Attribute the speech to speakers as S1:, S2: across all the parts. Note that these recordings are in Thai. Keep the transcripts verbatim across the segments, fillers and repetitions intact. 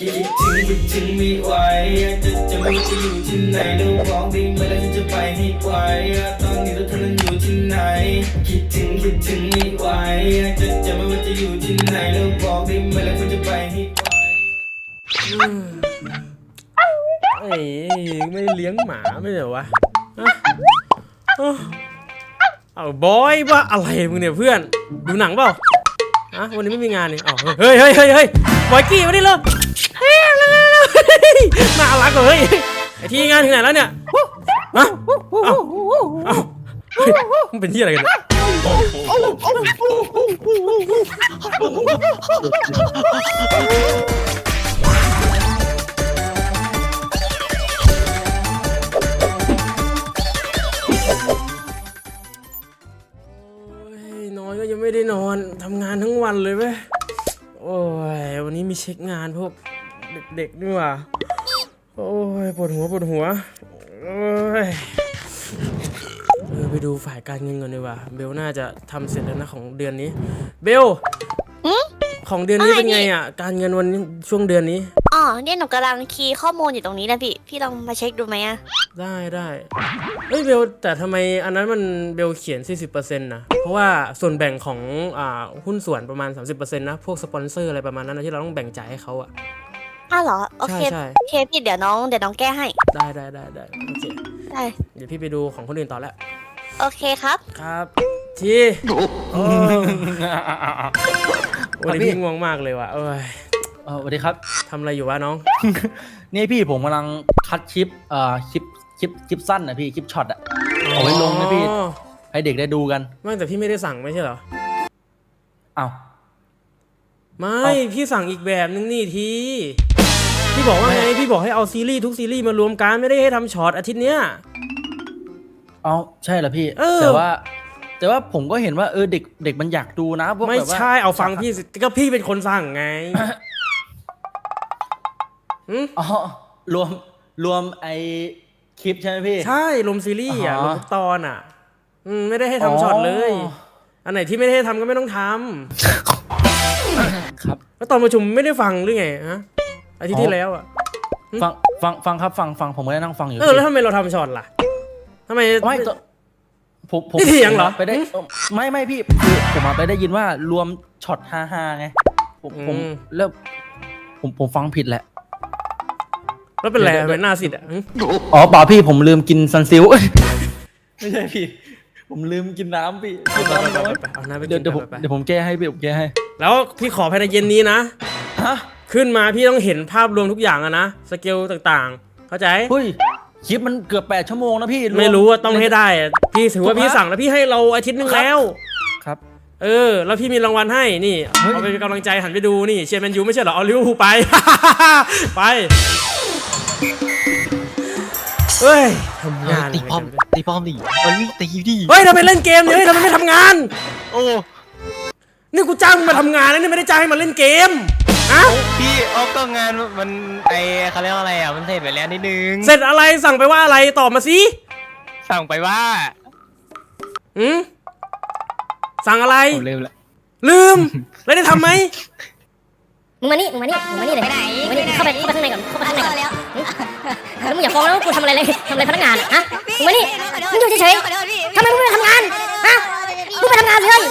S1: คิดถึงคิดถึงไม่ไหวจะจะไม่จะอยู่ที่ไหนแล้วบอกได้ไหมแล้วฉันจะไปให้ไวตอนนี้แล้วเธอนั้นอยู่ที่ไหนคิดถึงคิดถึงไม่ไหวจะจะไม่ว่าจะอยู่ที่ไหนแล้วบอกได้ไหมแล้วฉันจะไปให้ไว
S2: เอ้ยไม่เลี้ยงหมาไม่เหรอวะเอาบอยว่าอะไรมึงเนี่ยเพื่อนดูหนังเปล่าอะวันนี้ไม่มีงานนี่อ๋อเฮ้ยเฮ้ยเฮ้ยเฮ้ยบอยกี้มาดิเลยเฮ้ยน่ารักเลยไอที่งานถึงไหนแล้วเนี่ยฮะเอ้าเอ้ามันเป็นที่อะไรกันนอนก็ยังไม่ได้นอนทำงานทั้งวันเลยเว้ยโอ้ยวันนี้มีเช็คงานพวกเด็กๆนี่ว่ะโอ้ยปวดหัวปวดหัวโอ้ยเออไปดูฝ่ายการเงินก่อนดีกว่าเบลน่าจะทำเสร็จแล้วนะของเดือนนี้เบลของเดือนนี้เป็นไงอ่ะการเงินวันช่วงเดือนนี้
S3: อ๋อเนี่ยหนูกำลังคีย์ข้อมูลอยู่ตรงนี้นะพี่พี่ลองมาเช็คดูไหมอะ
S2: ได้ได้เฮ้ยเบลแต่ทำไมอันนั้นมันเบลเขียน สี่สิบเปอร์เซ็นต์ นะเพราะว่าส่วนแบ่งของอ่าหุ้นส่วนประมาณ สามสิบเปอร์เซ็นต์ นะพวกสปอนเซอร์อะไรประมาณนั้นนะที่เราต้องแบ่งจ่ายให้เขาอ่ะ
S3: อ้าวเหรอโอเค
S2: ใช่
S3: โอเคพี่เดี๋ยวน้องเดี๋ยวน้องแก้ให้
S2: ได้ได้ได้ได้โอเค
S3: ได้
S2: เดี๋ยวพี่ไปดูของคนอื่นต่อแล้ว
S3: โอเคครับ
S2: ครับทีวันนี้พี่ง่วงมากเลยว่ะเอ้ย
S4: สวัสดีครับ
S2: ทำอะไรอยู่วะน้อง
S4: นี่พี่ผมกำลังคัดคลิปเอ่อคลิปคลิปคลิปสั้นนะพี่คลิปช็อตอะเอาไว้ลงนะพี่ให้เด็กได้ดูกัน
S2: ไม่แต่พี่ไม่ได้สั่งไม่ใช่เหรอ
S4: อ้าว
S2: ไม่พี่สั่งอีกแบบนึงนี่ทีพี่บอกว่าไงพี่บอกให้เอาซีรีส์ทุกซีรีส์มารวมกันไม่ได้ให้ทำช็อตอาทิตย์เนี้ย
S4: เอาใช่เหรอพี่แต่ว่าแต่ว่าผมก็เห็นว่าเออเด็กเด็กมันอยากดูนะพวก
S2: ไม่ใช่เอาฟังพี่ก็พี่เป็นคนสั่งไง
S4: อ๋อรวมรวมไอคลิปใช่ไหมพี่
S2: ใช่รวมซีรีส์อ่ะรวมตอนอ่ะอืมไม่ได้ให้ทำช็อตเลยอันไหนที่ไม่ได้ให้ทำก็ไม่ต้องท
S4: ำครับ
S2: แล้วตอนประชุมไม่ได้ฟังหรือไงฮะอาทิตย์ที่แล้วอ่ะ
S4: ฟังฟังฟังครับฟังฟังผมก็ได้นั่งฟังอยู่
S2: เออแล้วทำไมเราทำช็อตล่ะทำไม
S4: ไม่ผมผม
S2: นี่เถียงเหรอ
S4: ไปได้ไม่ไม่พี่คือผมมาไปได้ยินว่ารวมช็อตฮ่าฮ่าไงผมผมแล้วผมผมฟังผิดแหละ
S2: แล้วเป็นไรเป็นหน้าสิทธิ์อ่ะ
S4: อ๋อเปล่าพี่ผมลืมกินซันซิลไม่ใช่พี่ผมลืมกินน้ำพี่
S2: เอาน้ำไปกิน
S4: เดี๋ยวเดี๋ยวผมเดี๋ยวผมแก้ให้พี่ผมแก้ให้
S2: แล้วพี่ขอภายในเย็นนี้นะ
S4: ฮะ
S2: ขึ้นมาพี่ต้องเห็นภาพรวมทุกอย่างอะนะสเกลต่างๆเข้าใจ
S4: เฮ้ยคลิปมันเกือบแปดชั่วโมงนะพี่
S2: ไม่รู้ว่าต้องให้ได้พี่ถือว่าพี่สั่งแล้วพี่ให้เราอาทิตย์นึงแล้ว
S4: ครับ
S2: เออแล้วพี่มีรางวัลให้นี่เอาไปเป็นกำลังใจหันไปดูนี่เชียร์แมนยูไม่ใช่เหรอเอาลิเวอร์พูลไปไปเฮ้ยทำงาน
S5: ตีป้อมตีป้อมดิเอ้ยตีดิ
S2: เฮ้ยทำไมเล่นเกมเนี่ยเฮ้ยทำไมไม่ทำงาน
S5: โอ้
S2: นี่กูจ้างมาทำงานนะนี่ไม่ได้จ้างให้มาเล่นเกมอะ
S5: พี่ออกก็งานมันไอเขาเรียกว่าอะไรอ่ะมันเสร็จไปแล้วนิดนึง
S2: เสร็จอะไรสั่งไปว่าอะไรตอบมาสิ
S5: สั่งไปว่า
S2: อืมสั่งอะไร
S5: ลืมแล้ว
S2: ลืมแล้วได้ทำไหม
S6: มึงมานี่มึงมานี่มึงมานี่เลยไปไหนมึงมานี่เข้าไปเข้าไปข้างในก่อนเข้าไปข้างในก่อนแล้วมึงอย่าฟ้องแล้วกูทำอะไรเลยทำอะไรพนักงานฮะมึงมานี่มึงอยู่เฉยๆทำไมมึงไม่ทำงานฮะมึงไปทำงานเลย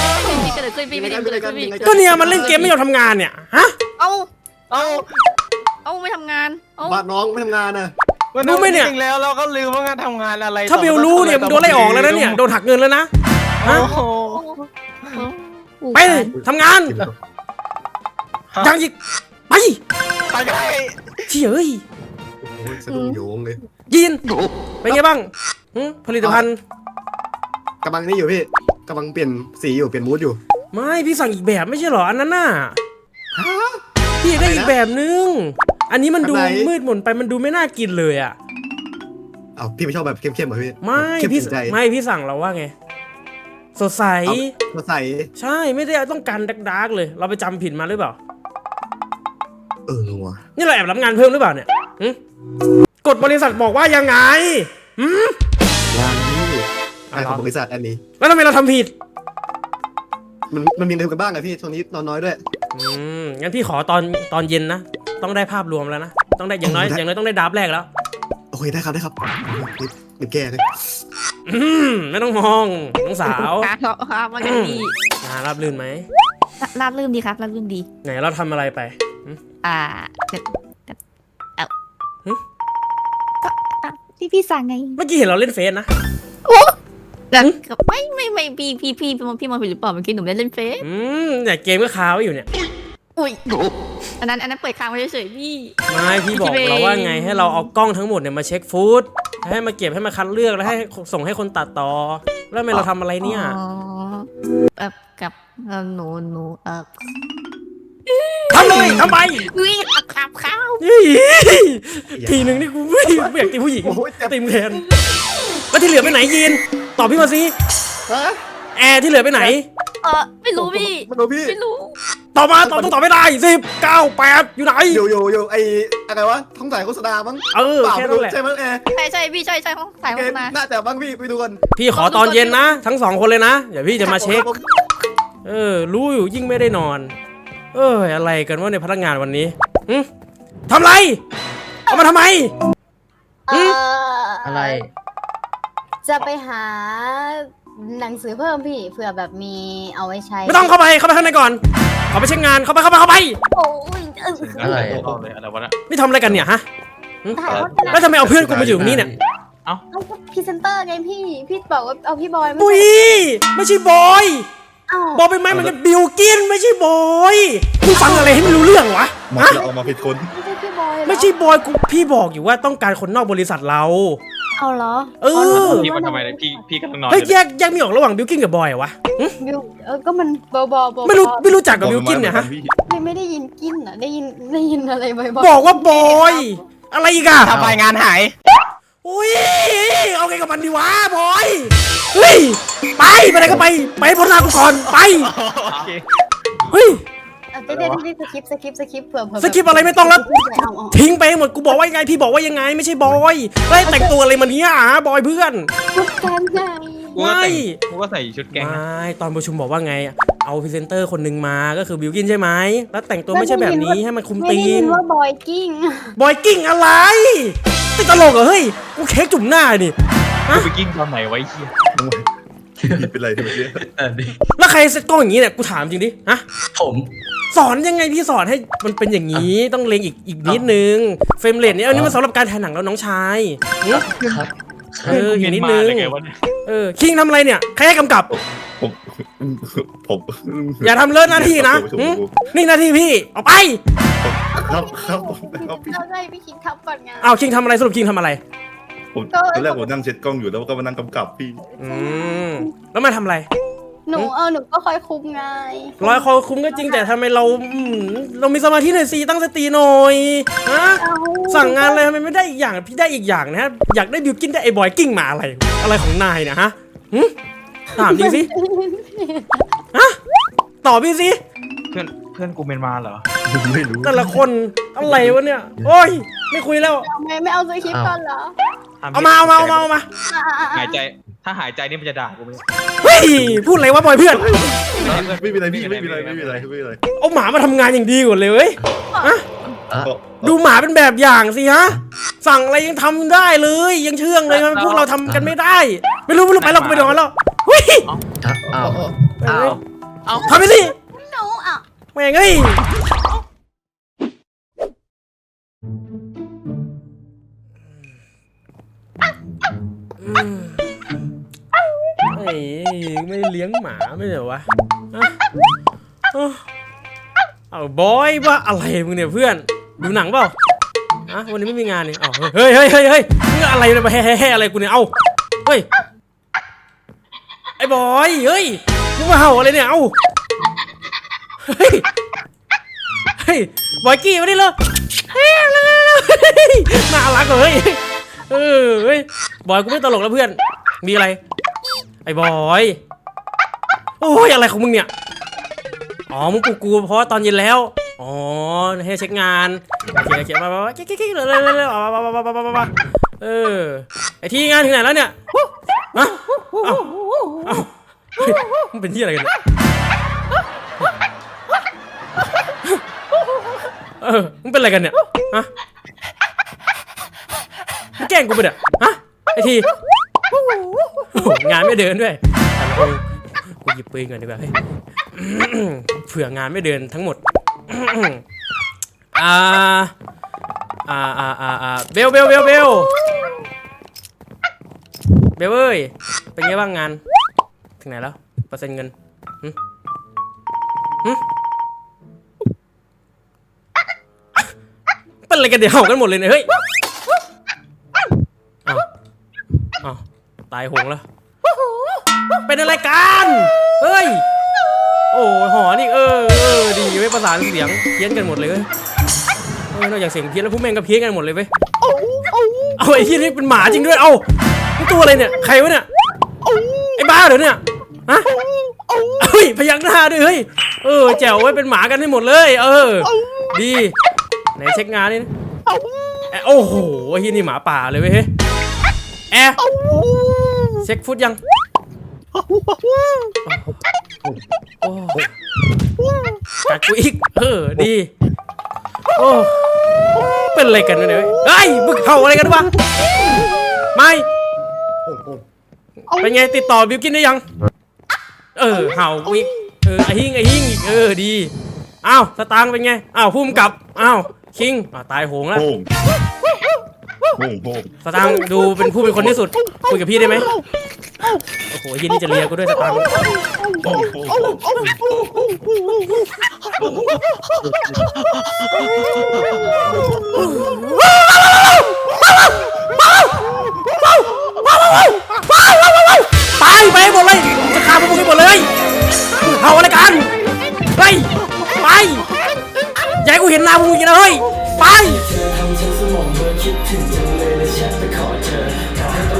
S2: ก็เนี่ยมันเล่นเกมไม่ยอมทำงานเนี่ยฮะ
S7: เอา
S5: เอา
S7: เอาไม่ทำงาน
S8: บ้านน้องไม่ทำงานนะ
S2: รู้ไหมเนี่ย
S5: จริงแล้วเราก็ลืมว่างานทำงานอะไร
S2: ถ้าเบลรู้เนี่ยมึงโดนไล่ออกแล้วนะเนี่ยโดนหักเงินแล้วนะฮะไปทำงานยังอีกไป
S5: ไปไง
S2: เฉย
S8: สะดุ้งโยงเลย
S2: ยินเป็นไงบ้างผลิตภัณฑ์
S8: กำลังนี่อยู่พี่กำลังเปลี่ยนสีอยู่เปลี่ยนมูดอยู่
S2: ไม่พี่สั่งอีกแบบไม่ใช่หรออันนั้นน่ะพี่ได้อีกแบบนึงอันนี้มันดูมืดมนไปมันดูไม่น่ากินเลยอ่ะ
S8: เอาพี่ไม่ชอบแบบเข้มๆเหรอพี่
S2: ไม่พี่ไม่พี่สั่งเราว่าไงสดใส
S8: สดใส
S2: ใช่ไม่ได้ต้องการดาร์กๆเลยเราไปจำผิดมาหรือเปล่า
S8: เอองัว
S2: นี่เราแอบรับงานเพิ่มหรือเปล่าเนี่ยกฎบริษัทบอกว่ายังไง
S8: งานนี้งานของบริษัทอันนี้
S2: แล้วทำไมเราทำผิด
S8: มันมันมีเรื่องกันบ้างไงพี่ช่วงนี้นอนน้อยด้วย
S2: อืมงั้นพี่ขอตอนตอนเย็นนะต้องได้ภาพรวมแล้วนะต้องได้อย่างน้อยอย่างน้อยต้องได้ดับแรกแล้ว
S8: โอเคได้ครับได้ครับเดี๋ยวแก้เลย
S2: อืมไม่ต้องมองน้องสาว
S7: ครับครับว่าไงพี่
S2: งานรับลื่นไหม
S7: ราบรื่นดีครับราบรื่นดี
S2: ไหนเราทำอะไรไปหึ
S7: อ่าก็ก็เอ้า
S2: หึ
S7: ก็อ่ะพี่พี่สั่งไง
S2: เมื่อกี้เห็นเราเล่นเฟซนะ
S7: แล้วก็ไม่ไม่ไม่พี่พี่พี่พี่มองพี่มองผิดหรือเปล่าเมื่อกี้หนูไม่ได้เล่นเฟซ
S2: อืมเนี่ยเกมก็ค้าไว้อยู่เนี่ย
S7: อุ้ยอันนั้นอันนั้นเปิดค้างไว้เฉยๆพี่
S2: ไม่พี่บอกเราว่าไงให้เราเอากล้องทั้งหมดเนี่ยมาเช็คฟูดให้มาเก็บให้มาคัดเลือกแล้วให้ส่งให้คนตัดต่อแล้วทำไมเราทำอะไรเนี่ย
S7: อ๋อแบบกับเอ่อหนูหนูเออ
S2: ทำเลยทำไม
S7: อุ้ยขับข้าว
S2: เฮ้ยทีหนึ่งนี่กูไม่ไม่อยากตีผู้หญิง
S8: โอ้ยเจ็บ
S2: ตีมแทนแล้วที่เหลือไปไหนยีนตอบพี่มาสิ
S8: ฮะ
S2: แอร์ที่เหลือไปไหน
S7: เออไม่รู้พี่
S8: มันดูพี่
S7: ไม่รู้
S2: ตอบมาตอบต้องตอบไม่ได้สิบเก้าแปดอยู่ไหน
S8: โยโยโยไออะไรวะท้องถ่ายโฆษณามั้ง
S2: เออ
S8: เปล่า
S2: แค่
S8: ไม่
S2: นั้
S8: รู้
S2: นแหละ
S8: ใช่ไหมแอร์
S7: ใช่ใช่พี่ใช่ใช่เขาถ่าย
S8: เก
S7: มาม มา
S8: น่าจะบ้างพี่ไปดูกัน
S2: พี่ขอตอนเย็นนะ ทั้งสองคนเลยนะเดี๋ยวพี่จะมาเช็ค เออ รู้อยู่ยิ่งไม่ได้นอน เอออะไรกันว่าในพนักงานวันนี้หึทำไร เอามาทำไม
S6: เออ
S4: อะไร
S6: จะไปหาหนังสือเพิ่มพี่เผื่อแบบมีเอาไว้ใช้
S2: ไม่ต้องเข้าไปเข้าไปข้างในก่อนขอไปเช็คงานเข้าไปเข้าไปเข้าไป
S6: โอ้ยเออ
S4: อะไร
S5: อะไรวะนะ
S2: นี่ทำอะไรกันเนี่ยฮะหึ
S6: ถ่ายโฆษณา
S2: แล้วทำไมเอาเพื่อนกูมาอยู่ตรงนี้เนี่ย
S6: เอาพรีเซนเตอร์ไงพี่ พี่บอกว่าเอาพี่บอยไม่
S2: ปุ้ย
S6: ใช่
S2: ไม่ใช่บอย
S6: อ้าว
S2: บอยเป็นไหมมันเป็นบิลกินไม่ใช่บอยมึงฟังอะไรให้ไม่รู้เรื่องวะ
S8: มา
S2: ฮะ
S8: เราเอามาผิดคน
S6: ไม่ใช่พี่บอยเหรอ
S2: ไม่ใช่บอยกูพี่บอกอยู่ว่าต้องการคนนอกบริษัทเรา
S6: เอาเหรอ
S2: เออ
S5: พี่มันทำไมเนี่ยพี่พี่กำลังนอนอ
S2: เฮ้ย
S5: ยู่
S2: แยกแยกไม่ออกระหว่างบิลกินกับบอยเหรอวะหึ
S6: บิวเออก็มันเบาๆเบาๆ
S2: ไม่รู้ไม่รู้จักกับบิลกินเนี่ยฮะ
S6: พี่ไม่ได้ยินกินอ่ะได้ยินได้ยินอะไรบ่อยๆ
S2: บอกว่าบอยอะไรอีกอะ
S5: ทำไมงานหาย
S2: อุ้ยเอาไงกับมันดีวะบอยเฮ้ยไปไปไหนก็ไปไปให้พ้นหน้ากูก่อนไป
S5: โอเค
S2: เฮ้ย
S6: อ่ะเดี๋ยวเดี๋ยวเดี๋ยวสคริปต์สคริปต์สคริปต์เผื่อเผื่อ
S2: สคริปต์อะไรไม่ต้องแล้ว
S6: เอาเอา
S2: ทิ้งไปให้หมดกูบอกว่ายังไงพี่บอกว่ายังไงไม่ใช่บอยแล้วแต่งตัวอะไรมาเนี้ยอ่ะบอยเพื่อน
S6: ชุดแกนไง
S5: กูก็แต่งกูก็ใส่ชุดแก๊ง
S2: ไม
S5: นะ
S2: ่ตอนประชุมบอกว่าไงเอาพรีเซนเตอร์คนหนึ่งมาก็คือบิวกินใช่ไหมแล้วแต่งตัวไม่ใช่แบบนี้ให้มันคุม
S6: ไม่
S2: ธี
S6: ได้ยิ
S2: ม
S6: นว่าบอยกิ้ง
S2: บอยกิ้งอะไรติดตลกเหรอเฮ้ยกูเค้กจุ่มหน้านี่
S5: กูไปกิ้งตอนไหนไว้เฮีย
S8: ผิดเป็นไรทำไมเนี่ย
S2: แล้วใครเซ็ตกล้องอย่างนี้เนี่ยกูถามจริงดิฮะ
S4: ผม
S2: สอนยังไงพี่สอนให้มันเป็นอย่างนี้ต้องเลงอีกอีกนิดนึงเฟรมเรทเนี่ยอันนี้มันสำหรับการถ่ายหนังแล้วน้องชายหึ
S4: ครับ
S2: เอออีกนิดนึง
S5: เมียนมาเลยไงวะเนี่ย
S2: เออคิงทำอะไรเนี่ยใครให้กำกับ
S8: ผมผม
S2: อย่าทำเลิศหน้าที่นะหึนี่หน้าที่พี่เอาไป
S8: ครับครับผมครับพี่
S6: เราได้พี่คิงทับก่อนไง
S2: เอาคิงทำอะไรสรุปคิงทำอะไร
S8: ผมตอนแรกผมนั่งเช็ดกล้องอยู่แล้วก็มานั่งกำกับพี่
S2: อืมแล้วมาทำอะไร
S6: หนูเออหนูก็คอยคุมไง
S2: ร้อยคอคุ้มก็จริงแต่ทำไมเราอืมเรามีสมาธิหน่อยสิตั้งสติหน่อยฮะ
S6: เอา
S2: สั่งงานอะไรทำไมไม่ได้อีกอย่างพี่ได้อีกอย่างนะฮะอยากได้บิวกินได้ไอ้บอยกิ้งมาอะไร อะไรของนายเนะฮะหึถามจริงสิฮะตอบพี่สิ
S5: เพื่อนเพื่อนกูเมียนมาเหรอ
S8: ไม่รู้
S2: แต่ละคนอะไรวะเนี่ยโอ้ยไม่คุยแล้ว
S6: ทำไมไม่เอาสคริปต์ก่อนเหรอ
S2: เอามาเอามาเอามาเอามา
S6: อ่ะอ่ะอ่ะ
S5: หายใจถ้าหายใจนี่มันจะด่ากูไหม
S2: เฮ้ยพูดอะไรวะบอยเพื่อน
S8: ไม่มีอะไรพี่ไม่มีอะไรไม่มีอะไรไม่มีอะไร
S2: เอาหมามาทำงานอย่างดีกว่าเลยเว้ยฮะ
S4: อ่ะ
S2: ดูหมาเป็นแบบอย่างสิฮะสั่งอะไรยังทำได้เลยยังเชื่องเลยทำไมพวกเราทำกันไม่ได้ ไม่รู้ไม่รู้ไปเราไปนอนแล้วเฮ้ย
S4: อ่ะอ้าวอ้าว
S2: ทำไปสิ
S6: หนูอ่ะ
S2: แม่งเอ้ยอืมเฮ้ยไม่เลี้ยงหมาไม่เหรอวะฮะเอ้าเอาบอยว่าอะไรมึงเนี่ยเพื่อนดูหนังเปล่าอะวันนี้ไม่มีงานนี่อ้าวเฮ้ยเฮ้ยเฮ้ยเฮ้ยมึงอะไรเนี่ยมาแฮ่แฮ่อะไรกูเนี่ยเอ้าเฮ้ยไอ้บอยเฮ้ยมึงมาเห่าอะไรเนี่ยเอ้าเฮ้ยเฮ้ยบอยกี้มาดิเลยเฮ้ยเร็วๆๆน่ารักเลยเออเฮ้ยบอยกูไม่ตลกแล้วเพื่อนมีอะไรไอ้บอยโอ้ยอะไรของมึงเนี่ยอ๋อมึงกูกูเพราะว่าตอนเย็นแล้วอ๋อให้เช็คงานโอเคโอเคมามามากิ๊กกิ๊กกิ๊กเลยเลยเลยมามามามามามาเออไอที่งานถึงไหนแล้วเนี่ยฮะเอ้าเอ้าเฮ้ยมึงเป็นที่อะไรกันเนี่ยเออมึงเป็นอะไรกันเนี่ยฮะมึงแกล้งกูไปเนี่ยฮะไอทีโอ้โหงานไม่เดินด้วยแต่ละกูหยิบปืนก่อนดีกว่าเฮ้ยเผื่องานไม่เดินทั้งหมดอ่าอ่าอ่าอ่าอ่าเบลเบลเบลเบลเบลเอ้ยเป็นไงบ้างงานถึงไหนแล้วเปอร์เซ็นต์เงินหึหึเป็นอะไรกันเดี๋ยวเห่ากันหมดเลยเนี่ยเฮ้ยอ้าวอ้าวตายโหงแล้วเป็นอะไรกันเฮ้ยโอ้หอนี่เออเออดีไว้ประสานเสียงเพี้ยนกันหมดเลยเว้ยเออนอกจากเสียงเพี้ยนแล้วพวกแม่งก็เพี้ยนกันหมดเลยเว้ยเอาไอ้ที่นี่เป็นหมาจริงด้วยเอ้านี่ตัวอะไรเนี่ยใครวะเนี่ยไอ้บ้าเหรอเนี่ยฮะเฮ้ยพยักหน้าด้วยเฮ้ยเออแจ๋วไว้เป็นหมากันให้หมดเลยเออดีไหนเช็คงานนี่นะโอ้โหไอ้ที่นี่หมาป่าเลยเว้ยแอร์เช็คฟุตยังโอ้กัดกูอีกเออดีโอ้เป็นอะไรกันเนี่ยเฮ้ยมึงเห่าอะไรกันวะไม่เป็นไงติดต่อบิวกินได้ยังเออเห่าอีกเออไอหิ้งไอหิ้งอีกเออดีอ้าวสตางค์เป็นไงอ้าวพุ่มกับอ้าวคิงอ่าตายโหงแล้วสตางค์ดูเป็นผู้เป็นคนที่สุดคุยกับพี่ได้ไหมโอ้โหยี่นี่จะเลียกูด้วยสตางค์ตายไปหมดเลยจะฆ่าพวกมึงให้หมดเลยเห่าอะไรกันไปไปอย่าให้กูเห็นหน้าพวกมึงอีกนะเฮ้ยไป
S1: เธอทำฉันสมองเบอร์คิดถึงจังเลยและฉันไปขอเธอขอให้